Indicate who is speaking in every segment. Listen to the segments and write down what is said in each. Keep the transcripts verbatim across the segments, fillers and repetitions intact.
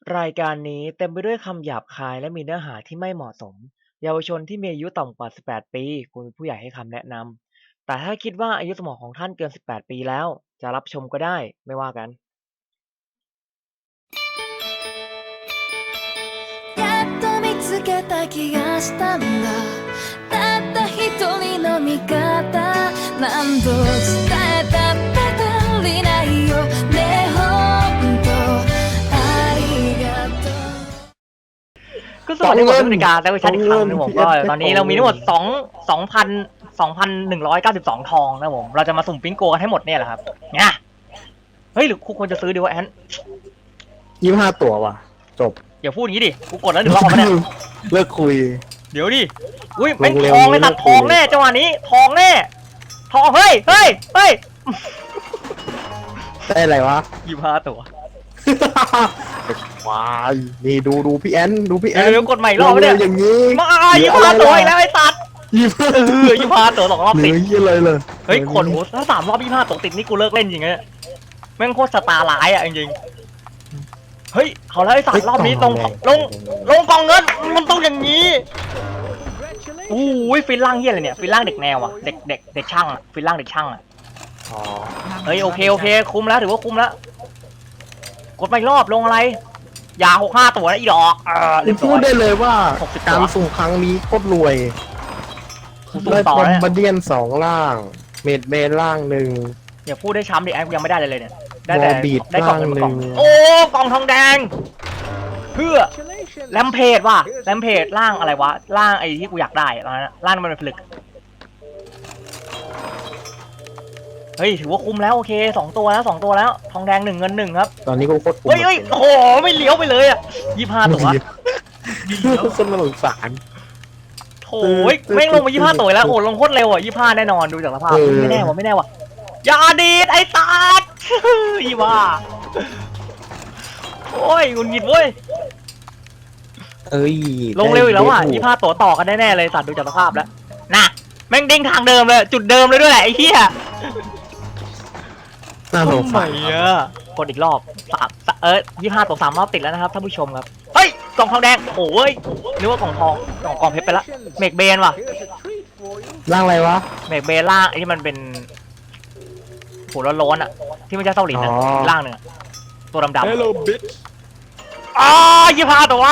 Speaker 1: รายการนี้เต็มไปด้วยคำหยาบคายและมีเนื้อหาที่ไม่เหมาะสมเยาวชนที่มีอายุต่ำกว่า สิบแปด ปีควรมีผู้ใหญ่ให้คำแนะนำแต่ถ้าคิดว่าอายุสมองของท่านเกิน สิบแปด ปีแล้วจะรับชมก็ได้ไม่ว่ากัน
Speaker 2: やっと見つけた気がしたんだたった一人の味方何度伝えたって足りないよねほんとありがとう
Speaker 1: ก็สวัสดีคุณผู้ชมแต่วิชาอีกครั้งนะผมก็ตอนนี้เรามีทั้งหมด2 2,000 2,192 ทองนะผมเราจะมาสุ่มปิ้งโกกันให้หมดเนี่ยแหละครับเนี่ยเฮ้ยหรือคุณควรจะซื้อดีวะแอน
Speaker 3: ยี่สิบห้าตัวว่ะจบ
Speaker 1: อย่าพูดอย่างนี้ดิกูกดแล้วหนึ่งรอบมาเนี่ย
Speaker 3: เลิกคุย
Speaker 1: เดี๋ยวดิอุ้ยเป็น
Speaker 3: ลงเร็ว
Speaker 1: ทองเลย
Speaker 3: นี้
Speaker 1: ตัด
Speaker 3: เลิก
Speaker 1: ทอง
Speaker 3: คุย
Speaker 1: แน่จังหวะนี้ทองแน่ทองเฮ้ยเฮ้ยเฮ้ย
Speaker 3: ได้อะไรวะ
Speaker 1: ยี่ห้าตัว
Speaker 3: ว้ายนี่ดูดูพี่แอนดูพี่แอน
Speaker 1: เดี๋ยวๆกดใหม่อีกรอบ
Speaker 3: เร็
Speaker 1: เนี่
Speaker 3: วย อย่างนี้
Speaker 1: มายี่ห้าตัวอีกแล้วไอ้ตัด
Speaker 3: ยี่สิบ
Speaker 1: เออยี่ห้าตัวสองรอบ
Speaker 3: เหลื
Speaker 1: ติด
Speaker 3: อยี่เลยเลย
Speaker 1: เฮ้ยคนโอ้ถ้าสามรอบยี่ห้าตัวติดนี่กูเลิกเล่นจริงๆเนี่ยแม่งโคตรสตาร์ไลท์อ่ะจริงๆเฮ้ยเขาแล้วไอ้สัตว์รอบนี้ตรงลงลงกองเงินมันต้องอย่างนี้อู้ยฟินล่างเฮียอะไรเนี่ยฟินล่างเด็กแนวอ่ะเด็กเด็กเด็กช่างอ่ะฟินล่างเด็กช่างอ่ะ
Speaker 3: อ๋อ
Speaker 1: เฮ้ยโอเคโอเคคุ้มแล้วถือว่าคุ้มแล้วกดไปรอบลงอะไรยาหกห้าตัวนะอีดอกเออเรียบ
Speaker 3: พู
Speaker 1: ร้อ
Speaker 3: ด
Speaker 1: ย
Speaker 3: ได้เลยว่า
Speaker 1: หกสิบ
Speaker 3: การ
Speaker 1: ตัว
Speaker 3: สุ่มครั้งนี้โคตรรวย
Speaker 1: สุ่ม
Speaker 3: ได้
Speaker 1: ต่อบ
Speaker 3: อม
Speaker 1: แล้ว
Speaker 3: บ์เดียนสองล่าง เมดเบนล่างหนึ่ง
Speaker 1: อย่าพูดได้ช้ำดิไอ้กูยังไม่ได้เลยเลยเนี่ยได้แต่
Speaker 3: วอลบีด
Speaker 1: ได้กล่องเงินมากล่อง
Speaker 3: ล่างหนึ่ง
Speaker 1: โอ้กล่องทองแดงเพื่อแลมเพจว่ะแลมเพจล่างอะไรวะล่างไอ้ที่กูอยากได้ตอนนั้นล่างมันเป็นผลึกเฮ้ยถือว่าคุ้มแล้วโอเคสองตัวแล้วสองตัวแล้วทองแดงหนึ่งเงินหนึ่งครับ
Speaker 3: ตอนนี้ก็โคตรคุ้ม
Speaker 1: เฮ้ยเฮ้ยโอ้โหไม่เลี้ยวไปเลยอ่ะยี่ห้าตัว
Speaker 3: คนน่าสงสาร
Speaker 1: โถ่แม่งลงมายี่ห้าตัวแล้วโอ้ลงโคตรเร็วอ่ะยี่ห้าแน่นอนดูจากสภาพ
Speaker 3: เออ
Speaker 1: ไม่แน่ว่ะไม่แน่ว่ะอย่าดีดไอ้ตาด ยี่ห้าโอ้ยงุนงิดเว้ย
Speaker 3: เอ้ย
Speaker 1: ลงเร็วอีกแล้วอ่ะ
Speaker 3: ได้
Speaker 1: ยี่ห้าตัวต่อกันแน่ๆเลยสัตว์ดูจากสภาพแล้วน่ะแม่งเด้งทางเดิมเลยจุดเดิมเลยด้วยแหละไอ้เหี้ย
Speaker 3: น่าสงสาร
Speaker 1: ทำไมอ่ะกดอีกรอบสามเออยี่ห้าตัวสามรอบติดแล้วนะครับท่านผู้ชมครับเฮ้ยกล่องทองแดงโอ้ยนึกว่ากล่องทองกล่องกล่องเพชรไปละเมกเบนว่ะ
Speaker 3: ร่างอะไรวะ
Speaker 1: เมกเบนล่างไอ้ที่มันเป็นหัวร้อนๆอ่ะที่ไม่ใช่เต้าหลินอ่ะ
Speaker 3: อ๋อ
Speaker 1: ล่างหนึ่งอะตัวดำๆ
Speaker 3: Hello bitch
Speaker 1: อ๋อยี่ห้าตัว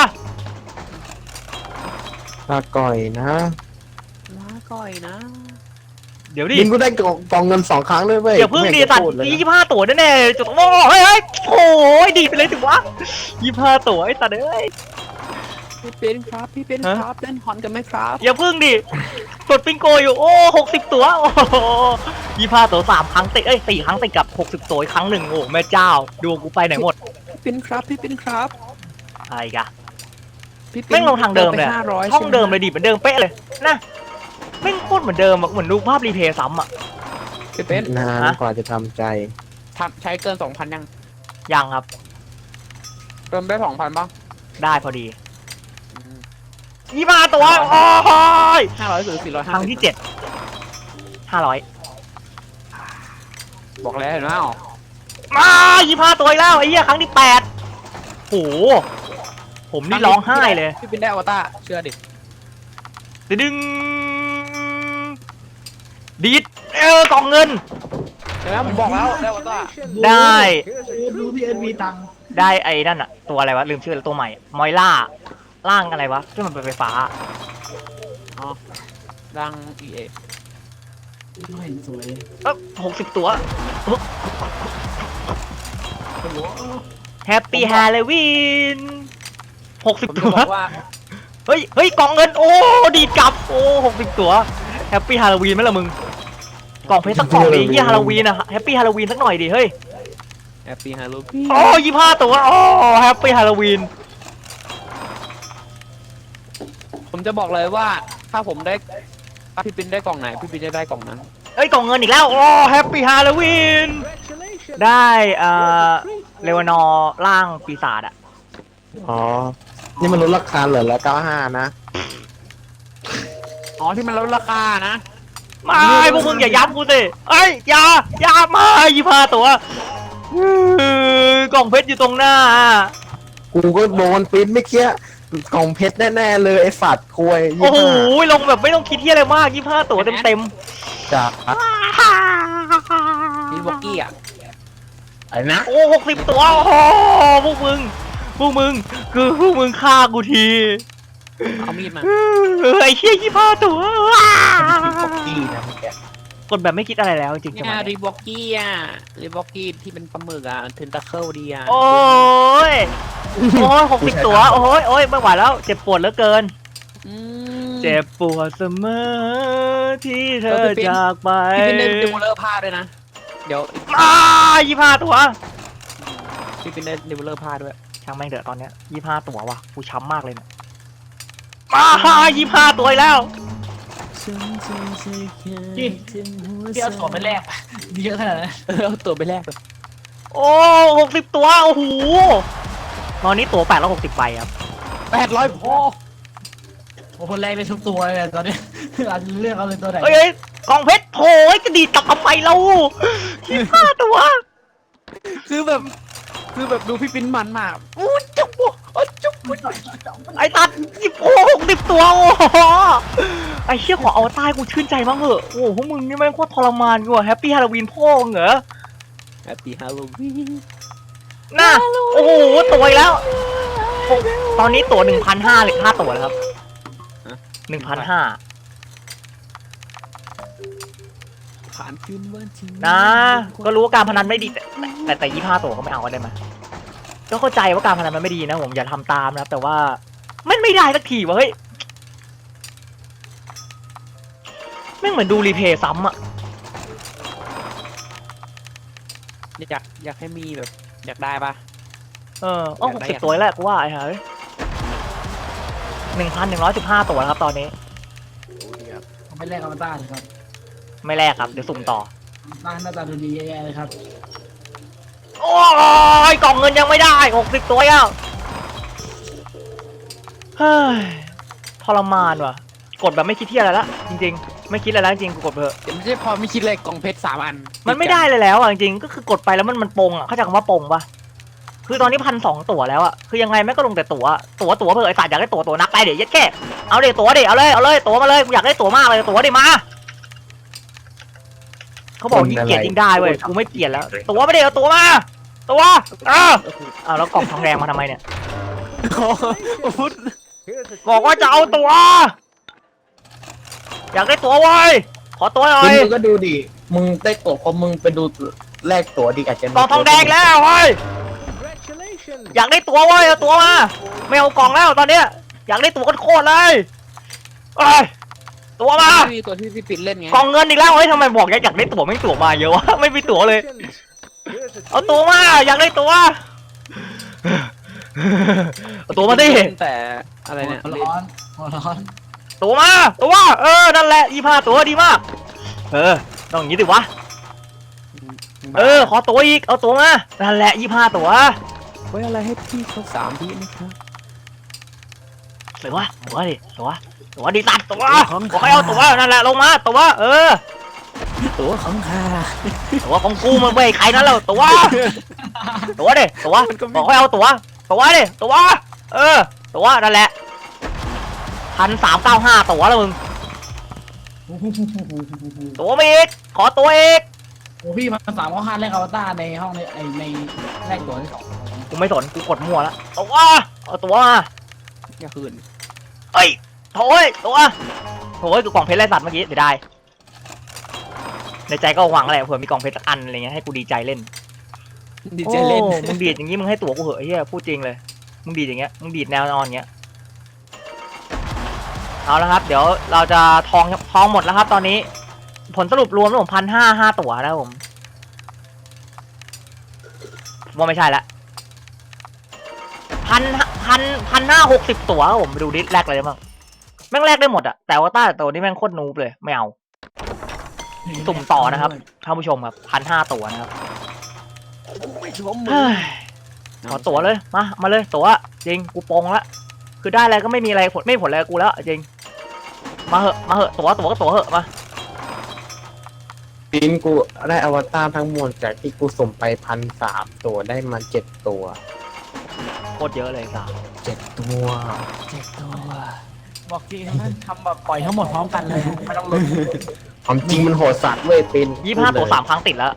Speaker 3: ลาก่อยนะ
Speaker 4: ลาก่อยนะ
Speaker 1: เดี๋ยวดิ
Speaker 3: มึงก็ได้กล่องกล่องเงินสองครั้งด้วยเว้ย
Speaker 1: เดี๋ยวเพิ่งดี
Speaker 3: ไม่
Speaker 1: สัต
Speaker 3: พู
Speaker 1: ว์
Speaker 3: เลย
Speaker 1: ยี่ห้าตัวแน่ๆจุดโอ้เฮ้ยเฮ้ยโอ้ยดีไปเลยถึงวะยี่ห้าตัวไอ้สัตว์เอ้ย
Speaker 4: พี่เป็นครับพี่เป็น
Speaker 1: ฮะ
Speaker 4: ครับเล่นฮอนกันไหมครับ
Speaker 1: อย่าเพิ่งดิกดปิงโกอยู่โอ้หกสิบตัวโอ้ยี่ห้าตัวสามครั้งติดเอ้ยสี่ครั้งติดกับหกสิบตัวอีกครั้งหนึ่งโอ้แม่เจ้าดวงกูไปไหนหมด
Speaker 4: พี่เป็นครับพี่เป็นครับ
Speaker 1: อะไรกะ
Speaker 4: พี่ป็น
Speaker 1: แม่งลงทางเดิมเลย
Speaker 4: ไปห้าร้อย
Speaker 1: ช่องเดิมเลย
Speaker 4: ใช่ไห
Speaker 1: ดิเหมือนเดิมเป๊ะเลยนะแม่งโคตรเหมือนเดิมอะเหมือนดูภาพรีเพย์ซ้ำอะ
Speaker 4: พี่เป็น
Speaker 3: นาน
Speaker 1: ฮะ
Speaker 3: กว่าจะทำใจ
Speaker 4: ทำใช้เกินสองพันยัง
Speaker 1: ยังครับ
Speaker 4: เติมได้สองพันบ้าง
Speaker 1: ได้พอดียี่ห้าตัวโอ้ย
Speaker 4: ห้าร้อยหรือสี่ร้อย
Speaker 1: ค
Speaker 4: ห้า
Speaker 1: รั้งที่เจ็ดห้าร้อย
Speaker 4: บอกแล้วเห็นไหมอ๋อ
Speaker 1: มายี่ห้าตัวอีกแล้วไอ้เหี้ยครั้งที่แปดโหผมนี่ร้องไห้เลย
Speaker 4: พี่เป็นได้อวตารเชื่อดิ
Speaker 1: ดึงดีดเออกล่องเงิน
Speaker 4: เห็นไหมผมบอกแล้วได้อวตาร
Speaker 1: ได้
Speaker 5: ดูพี่เอ็นมีตังค์
Speaker 1: ได้ไอ้นั่นอะตัวอะไรวะลืมชื่อแล้วตัวใหม่มอยล่าร่างอะไรวะที่มันเป็นไฟฟ้า
Speaker 4: อ๋อดังเอเอ
Speaker 5: ไม่สวย
Speaker 1: เออหกสิบตัวแฮปปี้ฮาโลวีนหกสิบ
Speaker 4: ผมจะ
Speaker 1: ตัว
Speaker 4: บอกว่า
Speaker 1: เฮ้ยเฮ้ยกล่องเงินโอ้ดีดกลับโอ้หกสิบตัวแฮปปี้ฮาโลวีนไหมล่ะมึงกล่องเพชรสักกล่องดิยี่ฮาโลวีนอะแฮปปี้ฮาโลวีนสักหน่อยดิเฮ้ย
Speaker 4: แฮปปี้ฮาโลวีน
Speaker 1: โอ้ยี่ห้าตัวโอ้แฮปปี้ฮาโลวีน
Speaker 4: ผมจะบอกเลยว่าถ้าผมได้ถ้าพี่เป็นได้กล่องไหนพี่เป็นจะได้กล่องนั้น
Speaker 1: เอ้ยกล่องเงินอีกแล้วโอ้แฮปปี้ฮาโลวีนได้เอ่อเลวานอร์ร่างปีศาจอะ
Speaker 3: อ๋อ นี่มันลดราคาเหลือละเก้าห้านะ
Speaker 4: อ๋อที่มันลดราคานะ
Speaker 1: ไม่พวกมึงอย่าย้ำกูสิเอ้ยอย่าอย่ามายี่ห้าตัวอื้อกล่องเพชรอยู่ตรงหน้า
Speaker 3: กูก็โดนปริ้นไม่เคี้ยกล่องเพชรแน่ๆเลยไอ้สัตว์ควย
Speaker 1: โอ้
Speaker 3: ยี่
Speaker 1: โห
Speaker 3: ห้า
Speaker 1: ลงแบบไม่ต้องคิดที่อะไรมากยี่ห้าตัวเต็มเต็ม
Speaker 3: จาก
Speaker 4: นี่วอกกี้อ่ะ
Speaker 3: อะไรนะ
Speaker 1: ๆโอ้หกสิบตัวโอ้โหพวกมึงพวกมึงคือพวกมึงฆ่ากูที
Speaker 4: เอามีดมา
Speaker 1: เออไอ้เชี่ยยี่ห้าตัวว้า
Speaker 3: กี้นะเมื่อกี้
Speaker 1: กดแบบไม่คิดอะไรแล้วจริงๆจังห
Speaker 4: เนี่
Speaker 1: วะ
Speaker 4: ยรี
Speaker 1: นี้
Speaker 4: วอกกี้อ่ะรีวอกกี้ที่เป็นปลาหมึกอ่ะเทนตาเคิลดีอ่ะ
Speaker 1: โอ้ยโอ้ยหกสิบตัวโอ้ยโอ้ยไม่ไหวแล้วเจ็บปวดเหลือเกิน
Speaker 4: อืม
Speaker 1: เจ็บปวดเสมอที่เธอจากไป
Speaker 4: พี่เป็นได้ดิวเลอร์ผ้าด้วยนะเดี๋ยว
Speaker 1: อ้ายี่ห้าตัว
Speaker 4: พี่เป็นได้ดิวเลอร์ผ้าด้วย
Speaker 1: ช่างแม่งเถอะตอนเนี้ยยี่ห้าตัวว่ะกูช้ำมากเลยเนี่ยมายี่ห้าตัวอีกแล้ว
Speaker 5: พี่พี่เอาถั่วไปแลกเยอะขนาดนั้น
Speaker 4: เออเอาตัวไปแลกเลย
Speaker 1: โอ้หกสิบตัวโอ้โหตอนนี้ตัวแปดร้อยหกสิบใบครับ
Speaker 4: แปดร้อยพอ
Speaker 5: โอ้คนแรกได้ทุกตัวเลยตอนนี้อาจจะเลือกเอาเลยตัวไหน
Speaker 1: เอ้ยเอ้ยกองเพชรโถยกระดีดตับทำไมเรายี่ห้าตัว
Speaker 4: คือแบบคือแบบดูพี่ปิ้นมันมากอู้จุ๊บโอ้จุ๊บ
Speaker 1: ไอ้ตัดสิบโอ้หกสิบตัวโอ้โหไอ้เชี่ยขอเอาใต้กูชื่นใจบ้างเหอะโอ้โหพวกมึงนี่แม่งโคตรทรมานกูอะแฮปปี้ฮาโลวีนพ่อมึงเหรอ
Speaker 4: แฮปปี้ฮาโลวีน
Speaker 1: น่ะโอ้โหตัวอีกแล้วโอ้ตอนนี้ตัวหนึ่งพันห้าหรือห้าตัวแล้วครับหนึ่งพันห้า
Speaker 4: ผ่านคืนวันที่
Speaker 1: นะก็รู้ว่าการพนันไม่ดีแต่แต่แต่ยี่ห้าตัวก็ไม่เอาก็ได้ไหมก็เข้าใจว่าการพนันมันไม่ดีนะผมอย่าทำตามนะครับแต่ว่ามันไม่ได้สักทีวะเฮ้ยแม่งเหมือนดูรีเพย์ซ้ำอะ
Speaker 4: อยากอยากให้มีแบบอยากได้ปะ
Speaker 1: เอออ้อหกสิบตัวแล้วกูว่าไอ้ห่าหนึ่งพันหนึ่งร้อยสิบห้าตัวครับตอนนี้
Speaker 5: เอาไปแลกอวตารเลยครับ
Speaker 1: ไม่แลกครับเดี๋ยวสุ่มต่อ
Speaker 5: หน้าหน้าตาดูดีแย่ๆเลยครับ
Speaker 1: โอ้ยกล่องเงินยังไม่ได้หกสิบตัวแล้วเฮ้ยทรมานว่ะกดแบบไม่คิดที่อะไรละจริงๆไม่คิดอะไรแล้วจริงๆกูกดเถอะ
Speaker 4: เดี๋ยวไม่ใช่พอไม่คิดเลยกล่องเพชรสามอัน
Speaker 1: มันไม่ได้เลยแล้วอ่ะจริงๆก็คือกดไปแล้วมันมันปงอ่ะเข้าใจคำว่าปงปะคือตอนนี้พันสองตั๋วแล้วอ่ะคือยังไงแม่งก็ลงแต่ตั๋วตั๋วตั๋วเพื่อไอ้สัตว์อยากได้ตั๋วตั๋วนักไปเดี๋ยวยัดแค่เอาเดี๋ยวตั๋วเดี๋ยวเอาเลยเอาเลยตั๋วมาเลยกูอยากได้ตั๋วมากเลยตั๋วเดี๋ยวมาเขาบอกยิ่งเกลียดยิ่งได้เว้ยกูไม่เกลียดแล้วตั๋วไม่ได้เอาตั๋วมาตั๋วเออเอาแล้วกล่องทองแดงมาทำไมเนี่ย
Speaker 4: พุทธ
Speaker 1: บอกว่าจะเอาตั๋วอยากได้ตั๋วไว้ขอตั๋วหน่อ
Speaker 3: มึ
Speaker 1: ย
Speaker 3: งก็ดูดิมึงได้ตั๋วพอมึงไปดูแลกตั๋วดิอาจจะ
Speaker 1: กล่องทองแดงแล้วเว้ยอยากได้ตั๋วเว้ยเอาตั๋วมาไม่เอากล่องแล้วตอนเนี้ยอยากได้ตั๋วโคตรเลยเอ้ยตั๋วมา
Speaker 4: มีตัวที่พี่ปิ้นเล่นไง
Speaker 1: กล่องเงินอีกแล้วเฮ้ยทำไมบอกอยากอยากได้ตั๋วไม่ตั๋วมาเยอะวะไม่มีตั๋วเลยเอาตั๋วมาอยากได้ตั๋วเอาตั๋วมาดิ
Speaker 4: แต่อะไรเนี่ย
Speaker 5: หัวร้อนหัวร้อน
Speaker 1: ตั๋วมาตั๋วเออนั่นแหละยี่ห้าตั๋วดีมากเออต้องอย่างนี้ดิวะเออขอตั๋วอีกเอาตั๋วมานั่นแหละยี่ห้าตั๋ว
Speaker 4: ไว้อะไรให้พี่เขาสามพี่นะครับ
Speaker 1: ตั๋วตั๋วดิตั๋วตั๋วดิตัดตั๋วบอกให้เอาตั๋วนั่นแหละลงมาตั๋วเออ
Speaker 4: ตัวของข้า
Speaker 1: ตั๋วของกูมันไม่ใครนั่นแล้วตั๋วตั๋วดิตั๋วบอกให้เอาตั๋วตั๋วดิตั๋วเออตั๋วนั่นแหละพันสามเก้าห้าตั๋วแล้วมึงตั๋วมาอีกขอตั๋วอีก
Speaker 5: โอ้พี่มาสามข้อห้าแลกอวตารในห้องในไอในแลกตัวที่สอง
Speaker 1: กูไม่สนกูกดมั่วแล้วตั๋วเอาตั๋วมา
Speaker 4: อย่าคืน
Speaker 1: เอ้ยโถ่ยตั๋วโถ่ยกูกล่องเพชรไรสัตว์เมื่อกี้เดี๋ยวได้ในใจก็หวังแหละเผื่อมีกล่องเพชรสักอันอะไรเงี้ยให้กูดีใจเล่น
Speaker 4: ดีใจเล่น
Speaker 1: โอ้มึงดีดอย่างงี้มึงให้ตั๋วกูเหอะไอ้เหี้ยพูดจริงเลยมึงดีดอย่างเงี้ยมึงดีดแนวนอนอย่างเงี้ยเอาละครับเดี๋ยวเราจะทองทองหมดแล้วครับ ตอนนี้ ผลสรุปรวมแล้วผมพันห้าห้าตั๋วแล้วผมว่าไม่ใช่ละพันพันพันห้าหกสิบตั๋วครับผมไปดูดิแลกอะไรได้บ้างแม่งแลกได้หมดอะแต่ว่าต้าตัวนี้แม่งโคตรนูบเลยไม่เอาสุ่มต่อนะครับท่านผู้ชมครับพันห้าตั๋วนะครับ
Speaker 4: ไม่ชม
Speaker 1: เฮ้ยขอตั๋วเลยมามาเลยตั๋วจริงกูปงละคือได้อะไรก็ไม่มีอะไรผลไม่ผลอะไรกับกูแล้วจริงมาเหอะมาเหอะตั๋วตั๋วก็ตั๋วเหอะมา
Speaker 3: ปินกูได้อวตารทั้งหมดจากที่กูส่งไปพันสามตัวได้มาเจ็ดตัว
Speaker 1: โคตรเยอะเลยสาม
Speaker 3: เจ็ดตัว
Speaker 4: เจ็ดตัว
Speaker 5: บอกจริงนะทำแบบปล่อยทั้งหมดพร้อมกันเลยไม่ต้องลุ้น
Speaker 3: ความจริงมันโหดสัตว์เว้ยเป็น
Speaker 1: ยี่ห้าตัวสามครั้งติดแล้ว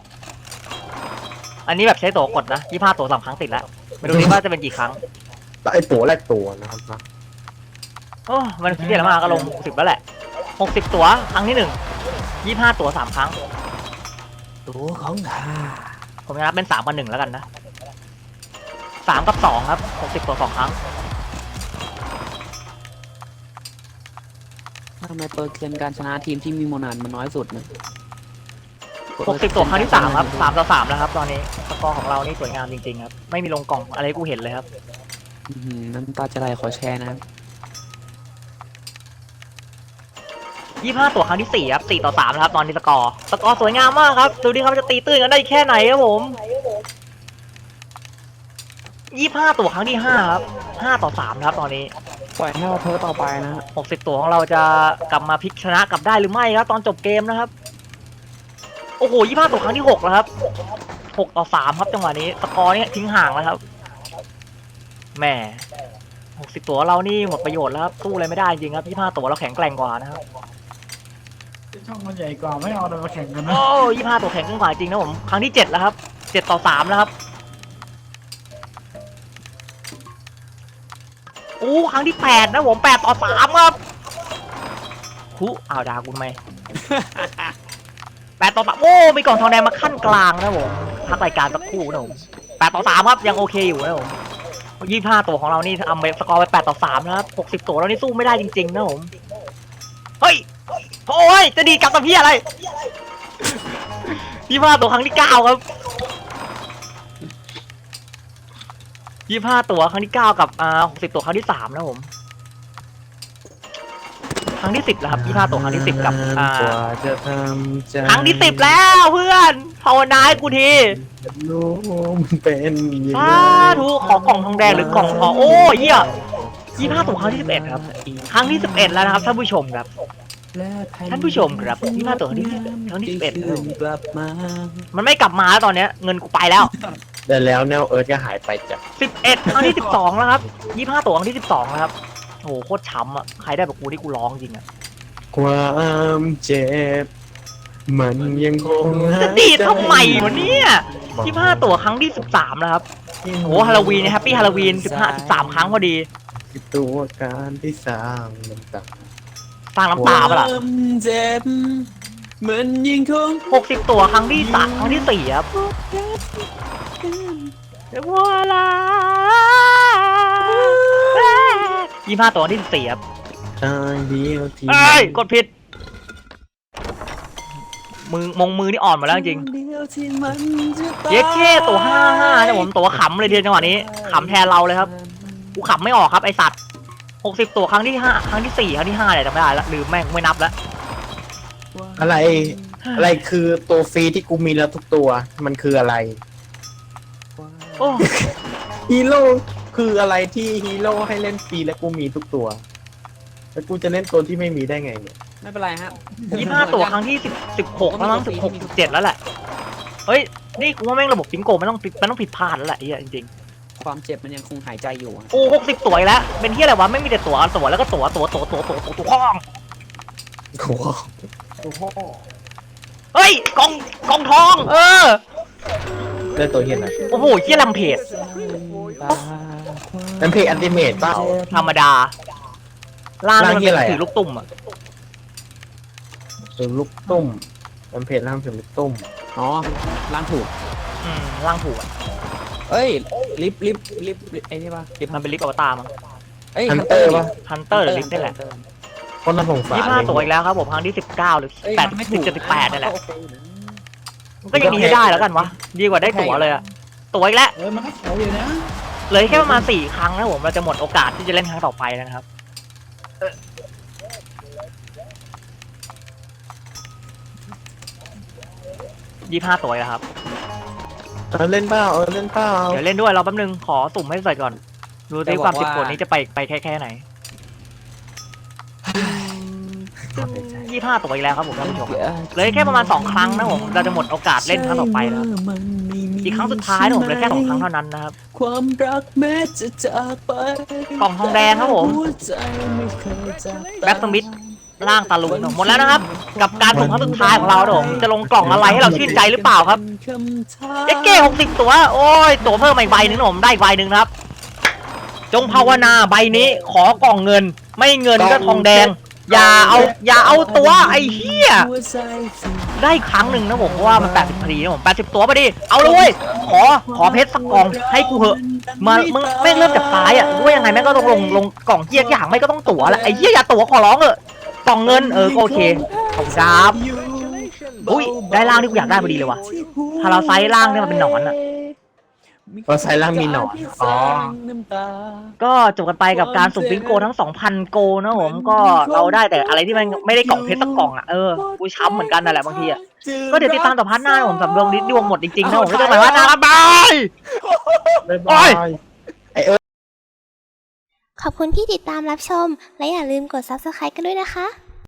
Speaker 1: อันนี้แบบใช้ตัวกดนะยี่ห้าตัวสามครั้งติดแล้วไม่รู้ดิว่าจะเป็นกี่ครั้ง
Speaker 3: แล้วไอ้ตัวแรกตัวนะครับนะ
Speaker 1: โอ้มันเรียกมาก็ลงหกสิบแล้วแหละหกสิบตัวครั้งที่หนึ่งยี่ห้าตัวสามครั้ง
Speaker 4: ตัวของข้า
Speaker 1: ผมจะนับเป็นสามกับหนึ่งแล้วกันนะสามกับสองครับหกสิบตัวสองครั้ง
Speaker 4: ทำไมเปอร์เซ็นต์การชนะทีมที่มีโมนานมันน้อยสุดเนี่ย
Speaker 1: หกสิบตัวครั้งที่สามครับสามต่อสามแล้วครับ ตอนนี้สกอร์ของเรานี่สวยงามจริงๆครับไม่มีลงกล่องอะไรให้กูเห็นเลยครับ
Speaker 4: อื้อหือน้ำตาจะไหลขอแชร์นะครับ
Speaker 1: ยี่ห้าตัวครั้งที่สี่ครับสี่ต่อสามแล้วครับตอนนี้สกอร์สกอร์สวยงามมากครับดูดิครับจะตีตื้นกันได้แค่ไหนครับผมยี่ห้าตัวครั้งที่ห้าครับห้าต่อสามครับตอนนี้
Speaker 4: ปล่อยให้เราเพ้อต่อไปนะ
Speaker 1: หกสิบตัวของเราจะกลับมาพลิกชนะกลับได้หรือไม่ครับตอนจบเกมนะครับโอ้โหยี่ห้าตัวครั้งที่หกแล้วครับหกต่อสามครับจังหวะนี้สกอร์นี่ทิ้งห่างแล้วครับแหมหกสิบตัวเรานี่หมดประโยชน์แล้วครับสู้อะไรไม่ได้จริงครับยี่ห้าตัวเราแข็งแกร่งกว่านะครับ
Speaker 5: ช่องมันใหญ่กว่าไม่เอาเลยมาแข่งกันนะ
Speaker 1: โอ้ยี่ห้าตัวแข็งขึ้นกว่าจริงนะผมครั้งที่เจ็ดแล้วครับเจ็ดต่อสามแล้วครับโอ้ครั้งที่แปดนะผมแปดต่อสามครับหูอ้าวด่ากูทำไม แปดต่อสามโอ้มีกล่องทองแดงมาขั้นกลางนะผมพักรายการสักครู่นะผมแปดต่อสามครับยังโอเคอยู่นะผมยี่ห้าตัวของเรานี่ทำไปสกอร์ไปแปดต่อสามนะครับหกสิบตัวเรานี่สู้ไม่ได้จริงๆนะผมเฮ้ยโอ้ยจะดีกลับมาพี่อะไร ยี่ห้าตัวครั้งที่เก้าครับยี่ห้าตัวครั้งที่เก้ากับอ่าหกสิบตัวครั้งที่สามนะผมครั้งที่สิบแล้วครับยี่ห้าตัวครั้งที่สิบกับอ่าก
Speaker 3: ว่าจะทำใจ
Speaker 1: ครั้งที่สิบแล้วเพื่อนภาวนาให้กูที
Speaker 3: รู้มันเป็นยัง
Speaker 1: สา
Speaker 3: ไง
Speaker 1: ธุขอกล่องทองแดงหรือกล่องทองโอ้ยเหี้ยยี่ห้าตัวครั้งที่สิบเอ็ดครับครั้งที่สิบเอ็ดแล้วนะครับท่านผู้ชมครับ ท่านผู้ชมครับยี่ห้าตัวครั้งที่สิบครั้งที่สิบเอ็ด
Speaker 4: กลับมา
Speaker 1: มันไม่กลับมาแล้วตอนเนี้ยเงินกูไปแล้ว
Speaker 3: แต่แล้วแนวเอิร์ธก็หายไปจาก
Speaker 1: สิบเอ็ดครั้งที่สิบสองแล้วครับยี่ห้าตัวครั้งที่สิบสองแล้วครับโอ้โหโคตรช้ำอ่ะใครได้แบบกูที่กูร้องจริงอ่ะ
Speaker 3: ความเจ็บ มันยังคง
Speaker 1: จะดีดทำไมวะเนี่ยยี่ห้าตัวครั้งที่สิบสามแล้วครับโอ้ฮาโลวีนแฮปปี้ฮาโลวีนสิบห้าสิบสามครั้งพอดี
Speaker 3: ตัวการที่สร้างน้ำตา
Speaker 1: สร้างน้ำตาปะล่ะ
Speaker 4: ความเจ็บมันยังคง
Speaker 1: หกสิบตัวครั้งที่สามครั้งที่สี่ครับว้าลายี่ห้าตัวครั้งที่สิบสี่ครับ
Speaker 3: ทางเดียวที่
Speaker 1: เอ้ยกดผิดมือมงมือนี่อ่อนหมดแล้วจริง
Speaker 4: เดียวที่มันจะตาย
Speaker 1: เย็ดแค่ตัวห้าห้าเนี่ยผมตัวขำเลยทีจังหวะนี้ขำแทนเราเลยครับกูขำไม่ออกครับไอสัตว์หกสิบตัวครั้งที่ห้าครั้งที่สี่ครั้งที่ห้าเนี่ยจำไม่ได้แล้วลืมแม่งไม่นับแล้ว
Speaker 3: อะไร อะไรคือตัวฟรีที่กูมีแล้วทุกตัว มันคืออะไร
Speaker 1: โอ้
Speaker 3: ฮีโร่คืออะไรที่ฮีโร่ให้เล่นฟรีและกูมีทุกตัว แล้วกูจะเล่นตัวที่ไม่มีได้ไงเนี่ย
Speaker 4: ไม่เป็นไรฮะ
Speaker 1: ยี่ห้าตัวครั้งที่สิบสิบหกแล้วมั้งสิบหกสิบเจ็ดแล้วแหละเฮ้ยนี่กูว่าแม่งระบบฟิงโกมันต้องมันต้องผิดพลาดแล้วแหละไอ้เหี้ยจริง
Speaker 4: ความเจ็บมันยังคงหายใจอยู่อะ
Speaker 1: ๆโอ้หกสิบตัวอีกแล้วเป็นที่อะไรวะไม่มีแต่ตัวตัวแล้วก็ตัวตัวตัวตัวตัวตัวตัวข้อง
Speaker 3: โอ้โห
Speaker 5: โอ้โห
Speaker 1: เฮ้ยกองกองทอง เออ
Speaker 3: ได้ตัวเฮียนะ
Speaker 1: โอ้โหเหี้ยลำเพจ
Speaker 3: นั่นเพลงอันติเมตเปล่า
Speaker 1: ธรรมดาล่างมัน
Speaker 3: ล่างที่
Speaker 1: เป็น
Speaker 3: อะไรอะ
Speaker 1: ถือลูกตุ่มอ่ะ
Speaker 3: เป็นลูกตุ้มนั่นเพลงร่างเป็นลูกตุ้ม
Speaker 4: อ๋อล้างถูก
Speaker 1: อืมล่างถูกอ่ะ
Speaker 4: เอ้ย ลิฟต์ลิฟต์ลิฟต์ไอ้นี่ป่ะลิฟต์
Speaker 1: มันเป็นลิฟต์อวตารมั้ง
Speaker 4: เอ้ย
Speaker 3: ฮันเตอร์ปะ
Speaker 1: ฮันเตอร์หรือลิฟต์นี่แหละ
Speaker 3: คนน่าสงสาร
Speaker 1: ยี่ห้าตัวอีกแล้วครับผมครั้งที่สิบเก้าหรือ
Speaker 4: เอ้ย
Speaker 1: แปด
Speaker 4: มันไม่
Speaker 1: สิ
Speaker 4: ถู
Speaker 1: บ
Speaker 4: ก
Speaker 1: เจ็ดสิบแปดนี่แหละ
Speaker 4: โอเคอยู่นะ
Speaker 1: มันก็ยังมีให้ได้แล้วกันวะดีกว่าได้ตั๋วเลยอะตั๋วอีกแล้ว
Speaker 5: เออมันก็แถวอยู่นะ
Speaker 1: เหลือแค่ประมาณสี่ครั้งนะผมเราจะหมดโอกาสที่จะเล่นครั้งต่อไปแล้วนะครับยี่ห้าตัวอีกแล้วครับ
Speaker 3: เออเล่นเปล่าเออเล่นเปล่า
Speaker 1: เดี๋ยวเล่นด้วยเราแป๊บนึงขอสุ่มให้ใส่ก่อน ดู
Speaker 4: จะ
Speaker 1: ที่
Speaker 4: บอก
Speaker 1: ความสิบ
Speaker 4: ว่า
Speaker 1: คนนี้จะไปไปแค่แค่ไหนซึ่งยี่สิบห้าตัวอีกแล้วครับผมท่านผู้ชมเหลือแค่ประมาณสองครั้งนะผมเราจะหมดโอกาสเล่นครั้งต่อไปแล้วอีกครั้งสุดท้ายนะผมเหลือแค่สองครั้งเท่านั้นนะครับ
Speaker 3: ความรักแม้จะจากไป
Speaker 1: กล่องทองแดงครับผม
Speaker 3: หัวใจไม่เคยจาก
Speaker 1: แบ็คสมิธล่างตาลุงหมดแล้วนะครับ กับการส่งครั้งสุดท้ายของเรานะผมจะลงกล่องอะไรให้เราชื่นใจหรือเปล่าครับเอ็กเก้หกสิบตัวโอ้ยตัวเพิ่มมาอีกใบหนึ่งนะผมได้อีกใบหนึ่งนะครับ จงภาวนาใบนี้ขอกล่องเงิน ไม่เงินก็ทองแดง อย่าเอาอย่าเอาตัวไอ้เหี้ยได้ครั้งหนึ่งนะผมเพราะว่ามันแปดสิบพอดีนะผมแปดสิบตัวพอดีเอาเลยเว้ยขอขอเพชรสักกล่องให้กูเหอะมามึงไม่งเริ่มจากซ้ายอ่ะด้วยยังไงแม่งก็ต้องลงลงกล่องเหี้ยอย่างไม่ก็ต้องตั๋วแหละไอ้เหี้ยอย่าตั๋วขอร้องเถอะกล่องเงินเออก็โอเคขอบคุณครับอุ้ยได้ล่างที่กูอยากได้พอดีเลยว่ะพาราไซต์ล่างเนี่ยมันเป็นหนอนอ่ะ
Speaker 3: เพราะไซล่างมีหนอนอ๋อ
Speaker 1: ก็จบกันไปกับการสุ่มบิงโกทั้ง สองพัน โกนะผมก็เราได้แต่อะไรที่มันไม่ได้กล่องเพชรสักกล่องอ่ะเออกูช้ำเหมือนกันนั่นแหละบางทีอ่ะก็เดี๋ยวติดตามต่อพาร์ทหน้านะผมสำรวจดวงหมดจริงๆนะผมไม่ต้องหมายว่าหน้าบาย
Speaker 3: บ๊าย
Speaker 1: โอ้
Speaker 3: บาย ย
Speaker 2: ขอบคุณที่ติดตามรับชม และอย่าลืมกด ซับสไครบ์ กันด้วยนะคะ